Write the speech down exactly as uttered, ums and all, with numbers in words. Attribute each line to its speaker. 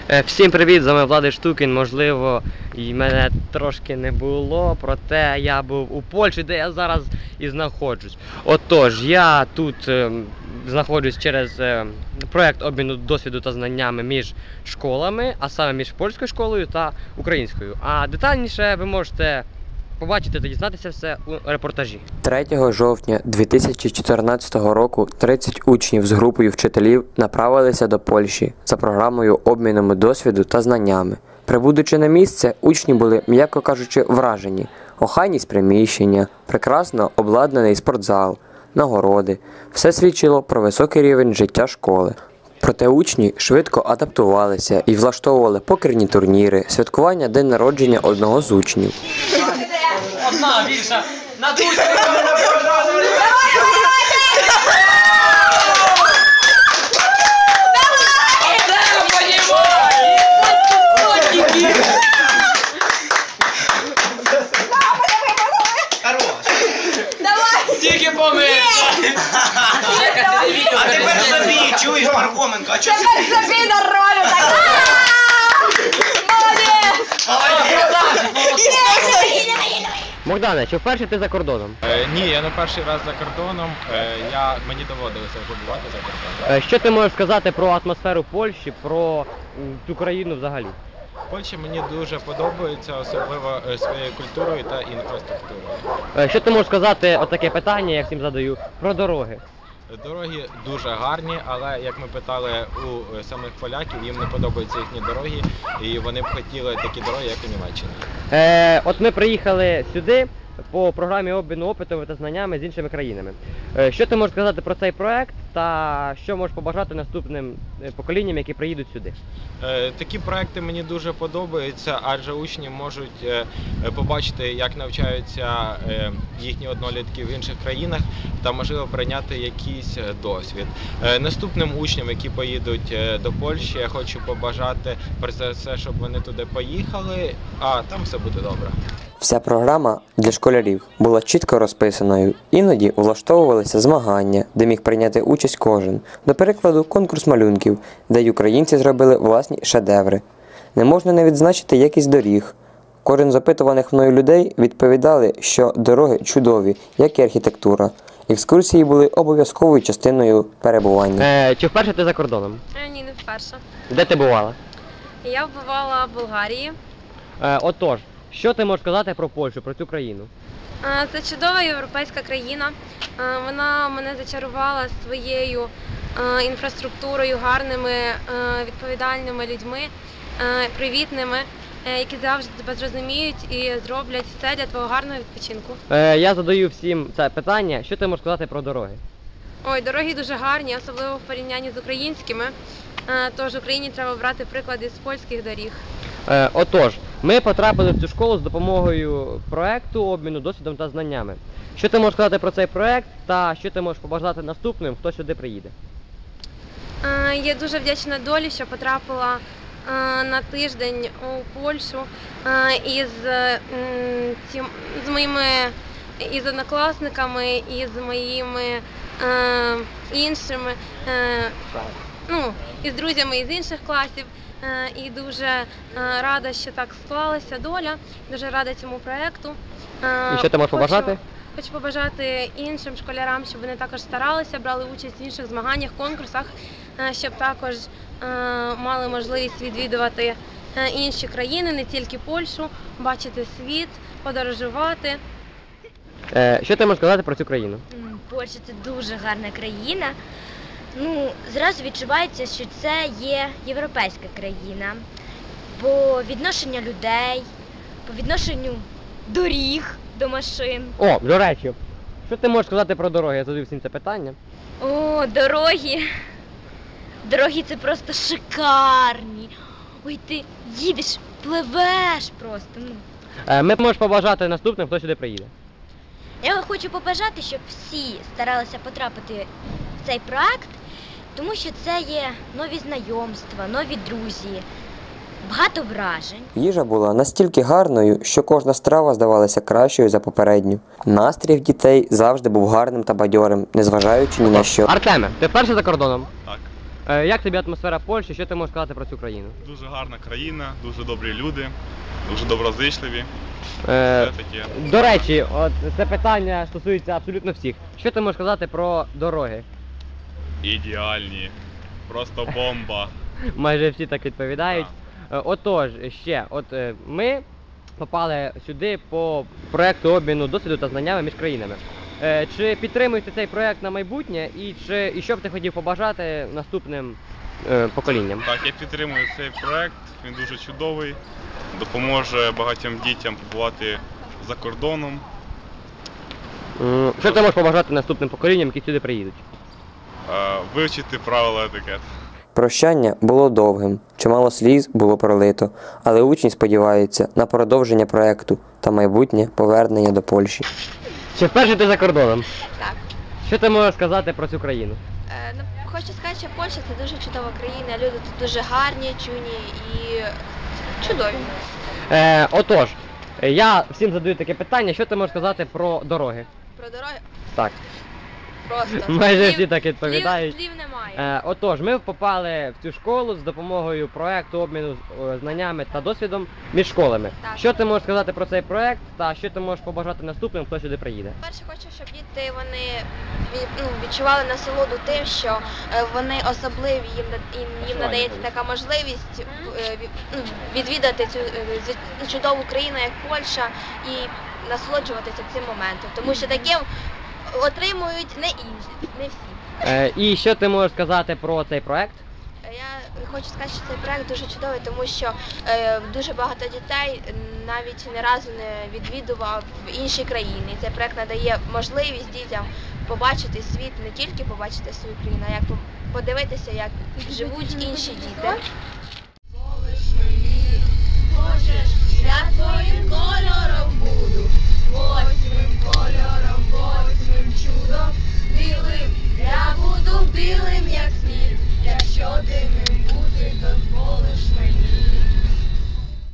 Speaker 1: Всім привіт, з вами Влади Штукін. Можливо, і мене трошки не було, проте я був у Польщі, де я зараз і знаходжусь. Отож, я тут е, знаходжусь через е, проєкт обміну досвіду та знаннями між школами, а саме між польською школою та українською. А детальніше ви можете побачити та дізнатися все у репортажі.
Speaker 2: третього жовтня дві тисячі чотирнадцятого року тридцять учнів з групою вчителів направилися до Польщі за програмою обміну досвіду та знаннями. Прибудучи на місце, учні були, м'яко кажучи, вражені. Охайність приміщення, прекрасно обладнаний спортзал, нагороди – все свідчило про високий рівень життя школи. Проте учні швидко адаптувалися і влаштовували покерні турніри, святкування день народження одного з учнів.
Speaker 3: Одна більша! На душу! Тільки помилка!
Speaker 4: А тепер собі, чуєш, Пархоменко, а чого ти?
Speaker 5: Тепер собі на ролю так! Молодець!
Speaker 1: Богдане, чи вперше ти за кордоном?
Speaker 6: Е, ні, я не перший раз за кордоном, е, я, мені доводилося вже бувати за кордоном.
Speaker 1: Е, Що ти можеш сказати про атмосферу Польщі, про м, цю країну взагалі?
Speaker 6: Польща мені дуже подобається, особливо е, своєю культурою та інфраструктурою.
Speaker 1: Е, Що ти можеш сказати, отаке питання, я всім задаю, про дороги?
Speaker 6: Дороги дуже гарні, але як ми питали у е, самих поляків, їм не подобаються їхні дороги, і вони б хотіли такі дороги, як у Німеччині.
Speaker 1: Е, от ми приїхали сюди по програмі обміну опитом та знаннями з іншими країнами. Е, що ти можеш сказати про цей проект та що можеш побажати наступним поколінням, які приїдуть сюди?
Speaker 6: Е, такі проекти мені дуже подобаються, адже учні можуть е, побачити, як навчаються е, їхні однолітки в інших країнах та, можливо, прийняти якийсь досвід. Е, наступним учням, які поїдуть е, до Польщі, я хочу побажати, перш за все, щоб вони туди поїхали, а там все буде добре.
Speaker 2: Вся програма для школярів була чітко розписаною. Іноді влаштовувалися змагання, де міг прийняти участь кожен. До прикладу, конкурс малюнків, де й українці зробили власні шедеври. Не можна не відзначити якість доріг. Кожен з опитуваних мною людей відповідали, що дороги чудові, як і архітектура. Екскурсії були обов'язковою частиною перебування.
Speaker 1: Е, чи вперше ти за кордоном?
Speaker 5: Ні, не вперше.
Speaker 1: Де ти бувала?
Speaker 5: Я бувала в Болгарії.
Speaker 1: Е, отож, що ти можеш сказати про Польщу, про цю країну?
Speaker 5: Це чудова європейська країна. Вона мене зачарувала своєю інфраструктурою, гарними, відповідальними людьми, привітними, які завжди тебе зрозуміють і зроблять все для твого гарного відпочинку.
Speaker 1: Е, я задаю всім це питання. Що ти можеш сказати про дороги?
Speaker 5: Ой, дороги дуже гарні, особливо в порівнянні з українськими. Тож Україні треба брати приклади з польських доріг.
Speaker 1: Е, отож, ми потрапили в цю школу з допомогою проекту обміну досвідом та знаннями. Що ти можеш сказати про цей проект та що ти можеш побажати наступним, хто сюди приїде?
Speaker 5: Е, я дуже вдячна долі, що потрапила е, на тиждень у Польщу е, із, е, ці, з моїми із однокласниками, і з моїми е, іншими, е, ну, із друзями із інших класів. І дуже рада, що так склалася доля, дуже рада цьому проєкту.
Speaker 1: І що ти можеш побажати?
Speaker 5: Хочу побажати іншим школярам, щоб вони також старалися, брали участь в інших змаганнях, конкурсах, щоб також мали можливість відвідувати інші країни, не тільки Польщу, бачити світ, подорожувати.
Speaker 1: Що ти можеш сказати про цю країну?
Speaker 7: Польща – це дуже гарна країна. Ну, зразу відчувається, що це є європейська країна. По відношенню людей, по відношенню доріг до машин.
Speaker 1: О, до речі, що ти можеш сказати про дороги? Я задаю всім це питання.
Speaker 7: О, дороги. Дороги – це просто шикарні. Ой, ти їдеш, пливеш просто. Ну.
Speaker 1: Ми можемо побажати наступним, хто сюди приїде.
Speaker 7: Я хочу побажати, щоб всі старалися потрапити в цей проект, тому що це є нові знайомства, нові друзі, багато вражень.
Speaker 2: Їжа була настільки гарною, що кожна страва здавалася кращою за попередню. Настрій в дітей завжди був гарним та бадьорим, незважаючи ні на що.
Speaker 1: Артеме, ти вперше за кордоном?
Speaker 6: Так.
Speaker 1: Е, Як тобі атмосфера Польщі? Що ти можеш сказати про цю країну?
Speaker 8: Дуже гарна країна, дуже добрі люди, дуже доброзичливі.
Speaker 1: Е,
Speaker 8: Все таке.
Speaker 1: До речі, от це питання стосується абсолютно всіх. Що ти можеш сказати про дороги?
Speaker 8: Ідеальні. Просто бомба.
Speaker 1: Майже всі так відповідають. Е, Отож, ще, от е, ми попали сюди по проекту обміну досвіду та знаннями між країнами. Е, Чи підтримуєте цей проект на майбутнє і чи і що б ти хотів побажати наступним е, поколінням?
Speaker 8: Так, я підтримую цей проект, він дуже чудовий, допоможе багатьом дітям побувати за кордоном.
Speaker 1: М, Що ти можеш побажати наступним поколінням, які сюди приїдуть?
Speaker 8: е, Вивчити правила етикету.
Speaker 2: Прощання було довгим, чимало сліз було пролито, але учні сподіваються на продовження проекту та майбутнє повернення до Польщі.
Speaker 1: Чи вперше ти за кордоном?
Speaker 9: Так.
Speaker 1: Що ти можеш сказати про цю країну?
Speaker 9: Е, ну, хочу сказати, що Польща це дуже чудова країна, люди тут дуже гарні, чуйні і чудові.
Speaker 1: Е, отож, я всім задаю таке питання, що ти можеш сказати про дороги?
Speaker 9: Про дороги
Speaker 1: Так.
Speaker 9: просто.
Speaker 1: Майже
Speaker 9: Слів-
Speaker 1: всі так відповідають.
Speaker 9: Слів, слів немає.
Speaker 1: Е, отож, ми попали в цю школу з допомогою проекту обміну е, знаннями та досвідом між школами.
Speaker 9: Так.
Speaker 1: Що ти можеш сказати про цей проект та що ти можеш побажати наступним, хто сюди приїде?
Speaker 9: Перше, хочу, щоб діти вони від- ну, відчували насолоду тим, що е, вони особливі, їм, на- їм, їм надається така можливість е, ві- ну, відвідати цю е, зві- чудову країну, як Польща, і насолоджуватися цим моментом, тому що таким отримують не інші, не всі.
Speaker 1: Е, і що ти можеш сказати про цей проект?
Speaker 9: Я хочу сказати, що цей проект дуже чудовий, тому що е, дуже багато дітей навіть не разу не відвідував інші країни. І цей проект надає можливість дітям побачити світ, не тільки побачити свою країну, а як по- подивитися, як живуть інші діти.